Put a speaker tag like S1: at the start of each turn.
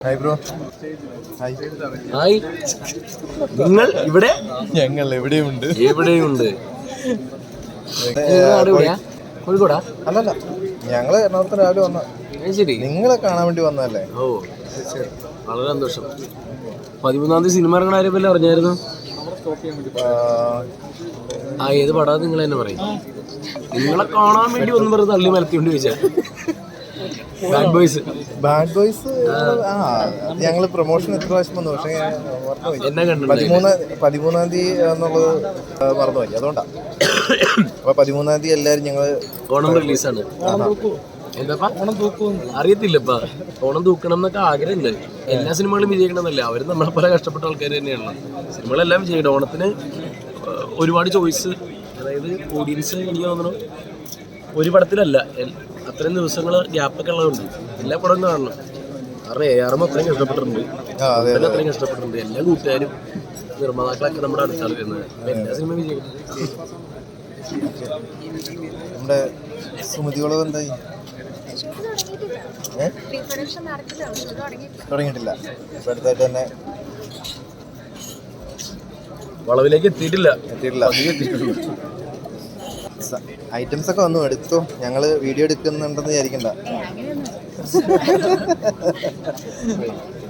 S1: Hi bro. Hi.
S2: Hi. നിങ്ങൾ ഇവിടെ?
S1: ഞങ്ങൾ എവിടെയുണ്ട്.
S2: കോഴിക്കോടാ?
S1: അല്ലല്ല, ഞങ്ങള് എറണാകുളത്ത് രാവിലെ വന്ന.
S2: ശരി,
S1: നിങ്ങളെ കാണാൻ വേണ്ടി വന്നതല്ലേ?
S2: ഓ വളരെ സന്തോഷം. 13-ാം തീയതി സിനിമ ഇറങ്ങണ ആരെങ്കിലും അറിഞ്ഞായിരുന്നു? ഏത് പടാ നിങ്ങൾ തന്നെ പറയും. നിങ്ങളെ കാണാൻ വേണ്ടി ഒന്നും പറഞ്ഞ് തള്ളി മലത്തിക്കൊണ്ട് ചോദിച്ചാ ബാഡ് ബോയ്സ്.
S1: ഞങ്ങള് പ്രൊമോഷൻ എത്ര പ്രാവശ്യം വന്നു, പക്ഷേ
S2: എന്നെ കണ്ടു.
S1: 13-ാം തീയതി എന്നുള്ളത് മറന്നുപോയി, അതുകൊണ്ടാ. അപ്പൊ 13-ാം തീയതി എല്ലാരും ഞങ്ങള്
S2: ഓണം റിലീസാണ്. എന്താ അറിയത്തില്ലപ്പാ. ഓണം തൂക്കണം എന്നൊക്കെ ആഗ്രഹമുണ്ട്. എല്ലാ സിനിമകളും വിജയിക്കണമെന്നല്ല, അവര് നമ്മളെ പല കഷ്ടപ്പെട്ട ആൾക്കാർ തന്നെയാണ്. സിനിമകളെല്ലാം വിജയിക്കണം. ഓണത്തിന് ഒരുപാട് ചോയ്സ്, അതായത് ഓഡിയൻസ് എനിക്ക് തോന്നുന്നു ഒരു പടത്തിലല്ല, അത്രയും ദിവസങ്ങൾ ഗ്യാപ്പൊക്കെ ഉള്ളതുകൊണ്ട് എല്ലാ പടവും കാണണം. കാരണം ARM അത്രയും കഷ്ടപ്പെട്ടിട്ടുണ്ട്, അത്രയും കഷ്ടപ്പെട്ടിട്ടുണ്ട്. എല്ലാ കൂട്ടുകാരും നിർമ്മാതാക്കളൊക്കെ നമ്മുടെ അടുത്താണ് വരുന്നത്. എല്ലാ സിനിമ വിജയിക്കണം.
S1: നമ്മുടെ സുമതികളോ എന്തായി? തുടങ്ങിയിട്ടില്ല. ഇപ്പൊ അടുത്തായിട്ട് തന്നെ
S2: വളവിലേക്ക് എത്തിയിട്ടില്ല.
S1: ഐറ്റംസ് ഒക്കെ വന്നു, എടുത്തു. ഞങ്ങള് വീഡിയോ എടുക്കുന്നുണ്ടെന്ന് വിചാരിക്കണ്ട.